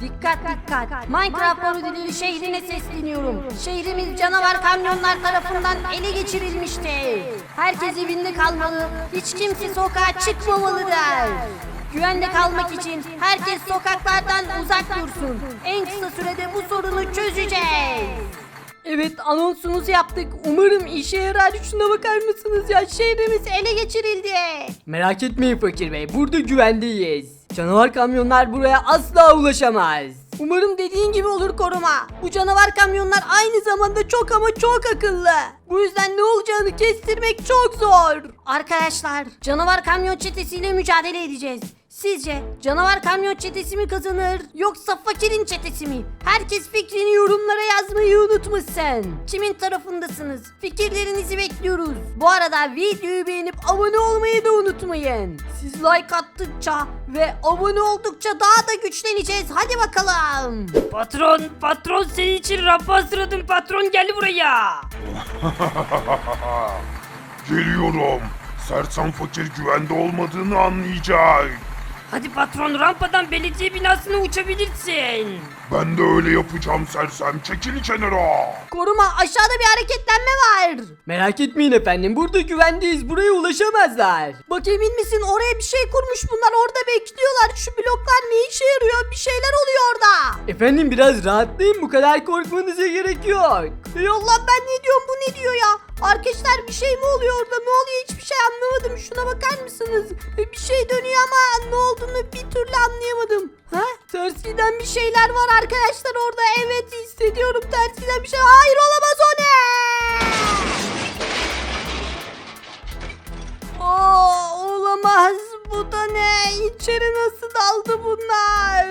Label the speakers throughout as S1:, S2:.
S1: Dikkat dikkat. Minecraft parodileri şehrine sesleniyorum. Şehrimiz canavar kamyonlar tarafından ele geçirilmiştir. Herkes evinde kalmalı. Hiç kimse sokağa çıkmamalıdır. Güvende kalmak için herkes sokaklardan uzak dursun. En kısa sürede bu sorunu çözeceğiz. Evet, anonsumuzu yaptık. Umarım işe yarar. Şuna bakar mısınız ya? Şehrimiz ele geçirildi.
S2: Merak etmeyin Fakir Bey, burada güvendeyiz. Canavar kamyonlar buraya asla ulaşamaz.
S1: Umarım dediğin gibi olur koruma. Bu canavar kamyonlar aynı zamanda çok ama çok akıllı. Bu yüzden ne olacağını kestirmek çok zor. Arkadaşlar, canavar kamyon çetesiyle mücadele edeceğiz. Sizce canavar kamyon çetesi mi kazanır yoksa fakirin çetesi mi? Herkes fikrini yorumlara yazmayı unutmasın. Kimin tarafındasınız? Fikirlerinizi bekliyoruz. Bu arada videoyu beğenip abone olmayı da unutmayın. Siz like attıkça ve abone oldukça daha da güçleneceğiz. Hadi bakalım.
S3: Patron senin için rampa hazırladım patron gel buraya.
S4: Geliyorum. Sersem fakir güvende olmadığını anlayacak.
S3: Hadi patron rampadan belediye binasına uçabilirsin.
S4: Ben de öyle yapacağım sersem. Çekil kenara.
S1: Koruma, aşağıda bir hareketlenme var.
S2: Merak etmeyin efendim, burada güvendeyiz, buraya ulaşamazlar.
S1: Bak, emin misin, oraya bir şey kurmuş bunlar, orada bekliyorlar. Şu bloklar ne işe yarıyor? Bir şeyler oluyor orada.
S2: Efendim biraz rahatlayın, bu kadar korkmanıza gerek yok.
S1: Ey Allah, ben ne diyorum, bu ne diyor ya? Arkadaşlar, bir şey mi oluyor orada? Ne oluyor? Hiçbir şey anlamadım. Şuna bakar mısınız? Bir şey dönüyor ama ne olduğunu bir türlü anlayamadım. Ha? Ters giden bir şeyler var arkadaşlar orada. Evet, hissediyorum ters giden bir şey. Hayır, olamaz, o ne? Olamaz. Bu da ne? İçeri nasıl daldı bunlar?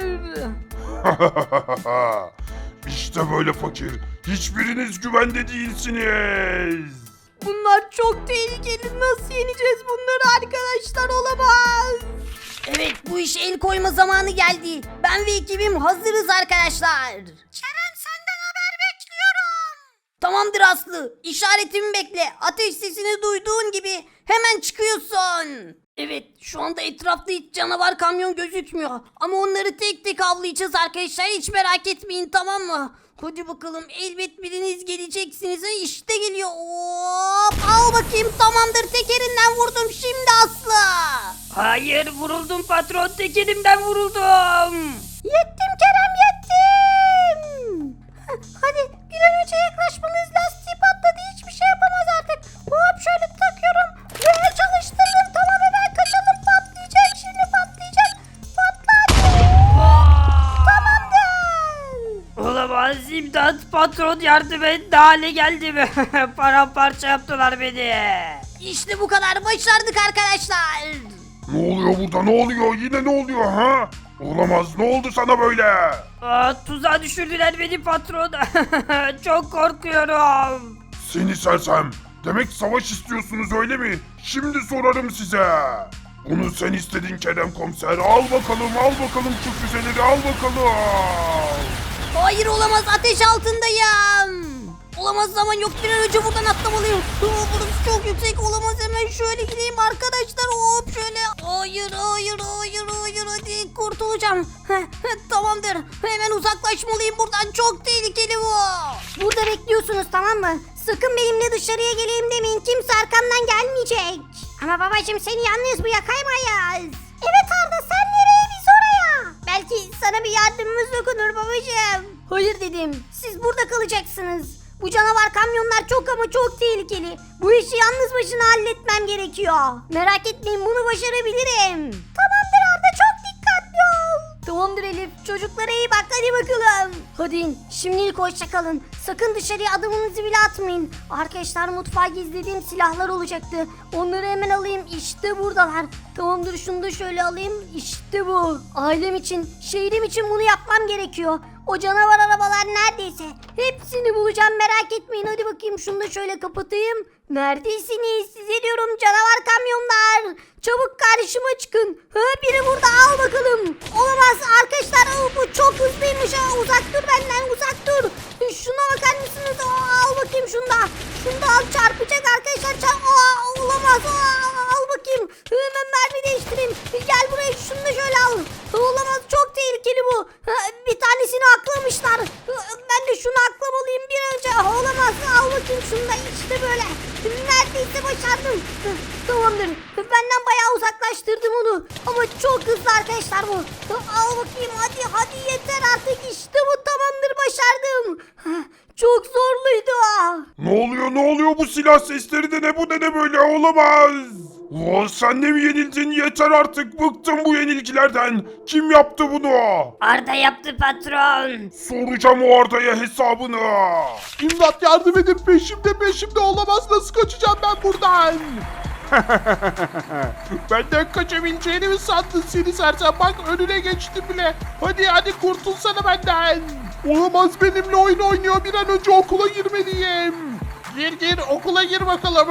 S4: İşte böyle fakir. Hiçbiriniz güvende değilsiniz.
S1: Bunlar çok tehlikeli. Nasıl yeneceğiz bunları arkadaşlar? Olamaz. Evet, bu işe el koyma zamanı geldi. Ben ve ekibim hazırız arkadaşlar. Kerem, senden haber bekliyorum. Tamamdır Aslı. İşaretimi bekle. Ateş sesini duyduğun gibi hemen çıkıyorsun. Evet, şu anda etrafta hiç canavar kamyon gözükmüyor. Ama onları tek tek avlayacağız arkadaşlar. Hiç merak etmeyin, tamam mı? Hadi bakalım, elbet biriniz geleceksiniz. İşte geliyor. Hop, al bakayım, tamamdır, tekerinden vurdum şimdi Aslı.
S3: Hayır vuruldum patron tek elimden vuruldum.
S1: Yettim Kerem, yettim. Hadi bir an önce yaklaşmamız, lastiği patladı, hiçbir şey yapamaz artık. Hop, şöyle takıyorum ve çalıştırdım. Tamam, hemen kaçalım, patlayacak şimdi, patlayacak. Patladı. Tamamdır.
S3: Olamaz imdat patron yardım et ne hale geldim. Paramparça yaptılar beni.
S1: İşte bu kadar, başardık arkadaşlar.
S4: Ne oluyor burada? Ne oluyor? Yine ne oluyor ha? Olamaz. Ne oldu sana böyle?
S3: Tuzağa düşürdüler beni patron. Çok korkuyorum.
S4: Seni sersem. Demek savaş istiyorsunuz öyle mi? Şimdi sorarım size. Bunu sen istedin Kerem komiser. Al bakalım şu füzeleri al bakalım.
S1: Hayır, olamaz, ateş altındayım. Olamaz, zaman yok, bir an önce buradan atlamalıyım. Burası çok yüksek, olamaz, hemen şöyle gideyim arkadaşlar. Hop, şöyle. Hayır, hadi kurtulacağım. Tamamdır, hemen uzaklaşmalıyım buradan, çok tehlikeli bu. Burada bekliyorsunuz, tamam mı? Sakın benimle dışarıya geleyim demeyin, kimse arkamdan gelmeyecek. Ama babacığım, seni yalnız bırakamayız. Evet Arda, sen nereye, biz oraya. Belki sana bir yardımımız dokunur babacığım. Hayır dedim, siz burada kalacaksınız. Bu canavar kamyonlar çok ama çok tehlikeli. Bu işi yalnız başına halletmem gerekiyor. Merak etmeyin, bunu başarabilirim. Tamamdır Arda, çok dikkatli ol. Tamamdır Elif, çocuklara iyi bak, hadi bakalım. Hadi in, şimdilik hoşça kalın. Sakın dışarıya adımınızı bile atmayın. Arkadaşlar, mutfağa gizlediğim silahlar olacaktı. Onları hemen alayım, işte buradalar. Tamamdır, şunu da şöyle alayım, işte bu. Ailem için, şehrim için bunu yapmam gerekiyor. O canavar arabalar neredeyse hepsini bulacağım, merak etmeyin. Hadi bakayım, şunu da şöyle kapatayım. Neredesiniz? Size diyorum, canavar kamyonlar. Çabuk karşıma çıkın. Biri burada, al bakalım. Olamaz arkadaşlar, bu çok hızlıymış. Uzak dur benden, uzak dur. Şuna bakar mısınız? Al bakayım şunu da. Şunu da al, çarpacak arkadaşlar. Olamaz. Al bakayım. Hemen mermi değiştireyim. Gel buraya, şunu da şöyle al. Olamaz, çok tehlikeli bu. Bir tane başarmışlar. Ben de şunu aklamalıyım bir önce. Olamaz. Al bakayım şunu da işte böyle. Neredeyse başardım. Tamamdır. Benden bayağı uzaklaştırdım onu. Ama çok hızlı arkadaşlar bu. Al bakayım hadi yeter artık. İşte bu tamamdır başardım. Çok zorluydu.
S4: Ne oluyor bu silah sesleri de ne bu ne böyle olamaz. Sen de mi yenildin yeter artık bıktım bu yenilgilerden. Kim yaptı bunu?
S3: Arda yaptı patron.
S4: Soracağım o Arda'ya hesabını.
S5: İmdat yardım edin peşimde olamaz nasıl kaçacağım ben buradan? Benden kaçabileceğini mi sandın seni sersem bak önüne geçtim bile. Hadi kurtulsana benden. Olamaz benimle oyun oynuyor bir an önce okula girmeliyim. Gir okula gir bakalım.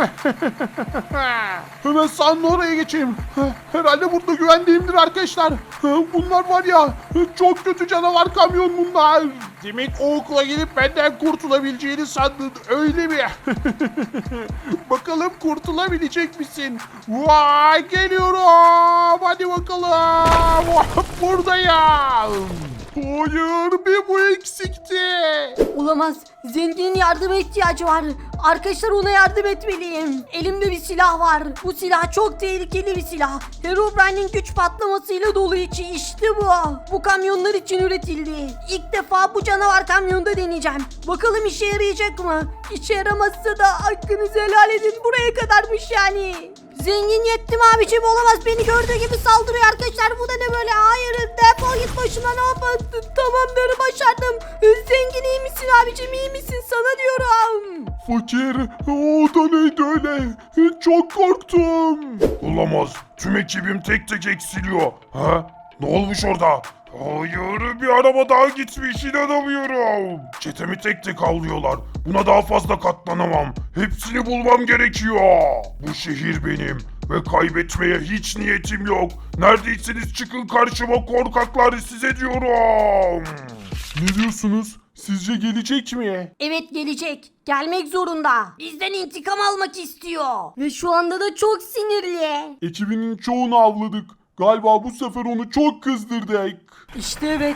S5: Hemen sağın oraya geçeyim. Herhalde burada güvendiğimdir arkadaşlar. Bunlar var ya çok kötü canavar kamyon bunlar. Demek o okula gelip benden kurtulabileceğini sandın öyle mi? Bakalım kurtulabilecek misin? Vay geliyorum. Hadi bakalım. Buradayım. Hayır bir bu eksikti.
S1: Olamaz. Zenginin yardıma ihtiyacı var. Arkadaşlar ona yardım etmeliyim. Elimde bir silah var. Bu silah çok tehlikeli bir silah. Herobrine'in güç patlamasıyla dolu içi işte bu. Bu kamyonlar için üretildi. İlk defa bu canavar kamyonda deneyeceğim. Bakalım işe yarayacak mı? İşe yaramazsa da hakkınızı helal edin. Buraya kadarmış yani. Zengin yettim abicim olamaz beni gördüğü gibi saldırıyor arkadaşlar bu da ne böyle hayır defol git başımdan hop tamamdır başardım zengin iyi misin abicim iyi misin sana diyorum.
S5: Fakir o da neydi öyle? Çok korktum.
S4: Olamaz. Tüm ekibim tek tek eksiliyor. Ha? Ne olmuş orada? Hayır bir araba daha gitmiş inanamıyorum. Çetemi tek tek avlıyorlar. Buna daha fazla katlanamam. Hepsini bulmam gerekiyor. Bu şehir benim ve kaybetmeye hiç niyetim yok. Neredeyseniz çıkın karşıma korkaklar size diyorum.
S5: Ne diyorsunuz? Sizce gelecek mi?
S1: Evet gelecek gelmek zorunda bizden intikam almak istiyor ve şu anda da çok sinirli.
S5: Ekibinin çoğunu avladık. Galiba bu sefer onu çok kızdırdık.
S1: İşte evet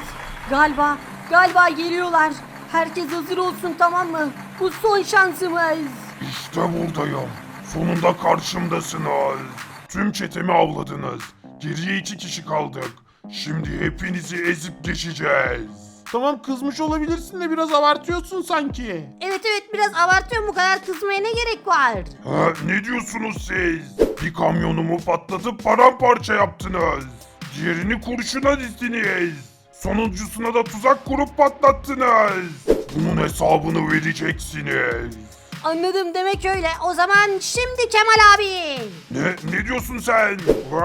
S1: galiba geliyorlar. Herkes hazır olsun tamam mı? Bu son şansımız.
S4: İşte buradayım. Sonunda karşımdasınız. Tüm çetemi avladınız. Geriye 2 kişi kaldık. Şimdi hepinizi ezip geçeceğiz.
S5: Tamam kızmış olabilirsin de biraz abartıyorsun sanki.
S1: Evet biraz abartıyorum bu kadar kızmaya ne gerek var?
S4: Ha, ne diyorsunuz siz? Bir kamyonumu patlatıp paramparça yaptınız. Diğerini kurşuna dizdiniz. Sonuncusuna da tuzak kurup patlattınız. Bunun hesabını vereceksiniz.
S1: Anladım demek öyle. O zaman şimdi Kemal abi.
S4: Ne diyorsun sen?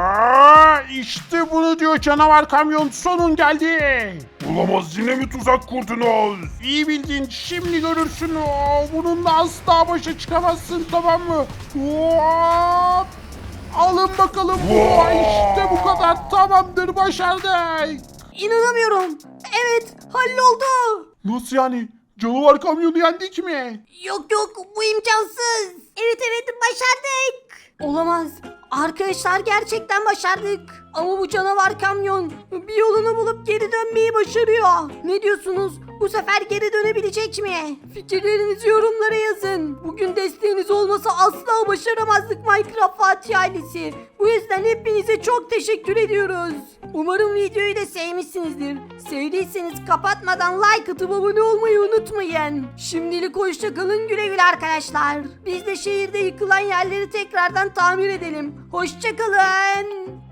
S5: İşte bunu diyor canavar kamyon sonun geldi.
S4: Olamaz yine mi tuzak kurdunuz?
S5: İyi bildin şimdi görürsün. Bununla asla başa çıkamazsın tamam mı? Hop! Alın bakalım. İşte bu kadar tamamdır başardık.
S1: İnanamıyorum. Evet halloldu.
S5: Nasıl yani? Canavar kamyonu yendik mi?
S1: Yok bu imkansız. Evet başardık. Olamaz. Arkadaşlar gerçekten başardık. Ama bu canavar kamyon bir yolunu bulup geri dönmeyi başarıyor. Ne diyorsunuz? Bu sefer geri dönebilecek mi? Fikirlerinizi yorumlara yazın. Bugün desteğiniz olmasa asla başaramazdık Minecraft Fatih ailesi. Bu yüzden hepinize çok teşekkür ediyoruz. Umarım videoyu da sevmişsinizdir. Sevdiyseniz kapatmadan like atıp abone olmayı unutmayın. Şimdilik hoşça kalın güle güle arkadaşlar. Biz de şehirde yıkılan yerleri tekrardan tamir edelim. Hoşça kalın.